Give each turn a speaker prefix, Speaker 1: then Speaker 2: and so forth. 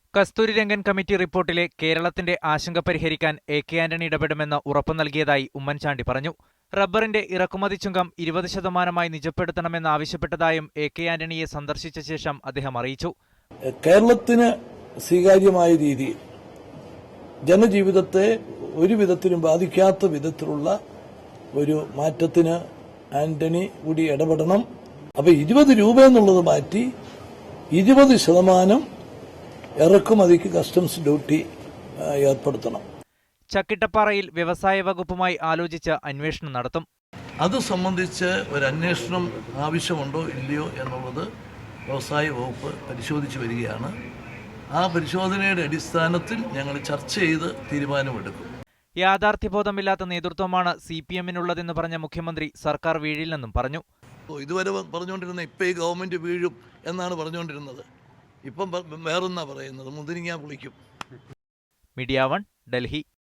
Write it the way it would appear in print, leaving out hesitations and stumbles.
Speaker 1: Kasturirangan committee റിപ്പോർട്ടിലെ കേരളത്തിന്റെ ആശങ്ക പരിഹരിക്കാൻ എ.കെ. ആന്റണി ഇടപെടുമെന്ന് ഉറപ്പു നൽകിയതായി ഉമ്മൻചാണ്ടി പറഞ്ഞു. റബ്ബറിന്റെ ഇറക്കുമതി ചുങ്കം 20% നിജപ്പെടുത്തണമെന്നാവശ്യപ്പെട്ടതായും എ.കെ. ആന്റണിയെ സന്ദർശിച്ച ശേഷം അദ്ദേഹം അറിയിച്ചു.
Speaker 2: കേരളത്തിന് സ്വീകാര്യമായ രീതിയിൽ ജനജീവിതത്തെ ഒരു വിധത്തിലും ബാധിക്കാത്ത വിധത്തിലുള്ള ഒരു മാറ്റത്തിന് ആന്റണി കൂടി ഇടപെടണം. അപ്പൊ 20 രൂപ എന്നുള്ളത് മാറ്റി 20% ഇറക്കുമതിക്ക് കസ്റ്റംസ് ഡ്യൂട്ടി ഏർപ്പെടുത്തണം.
Speaker 1: ചക്കിട്ടപ്പാറയിൽ വ്യവസായ വകുപ്പുമായി ആലോചിച്ച് അന്വേഷണം നടത്തും.
Speaker 2: അത് സംബന്ധിച്ച് ഒരു അന്വേഷണം ആവശ്യമുണ്ടോ ഇല്ലയോ എന്നുള്ളത് വ്യവസായ വകുപ്പ് പരിശോധിച്ചു വരികയാണ്. ആ പരിശോധനയുടെ അടിസ്ഥാനത്തിൽ ഞങ്ങൾ ചർച്ച ചെയ്ത് തീരുമാനമെടുക്കും.
Speaker 1: യാഥാർത്ഥ്യബോധമില്ലാത്ത നേതൃത്വമാണ് CPM-നുള്ളതെന്ന് പറഞ്ഞ മുഖ്യമന്ത്രി സർക്കാർ വീഴില്ലെന്നും പറഞ്ഞു.
Speaker 2: ഇതുവരെ പറഞ്ഞുകൊണ്ടിരുന്ന ഇപ്പം ഈ ഗവൺമെന്റ് വീഴും എന്നാണ് പറഞ്ഞുകൊണ്ടിരുന്നത്. ഇപ്പം വേറൊന്നാ പറയുന്നത്, മുന്തിരിങ്ങ പുളിക്കും.
Speaker 1: മീഡിയ 1, ഡൽഹി.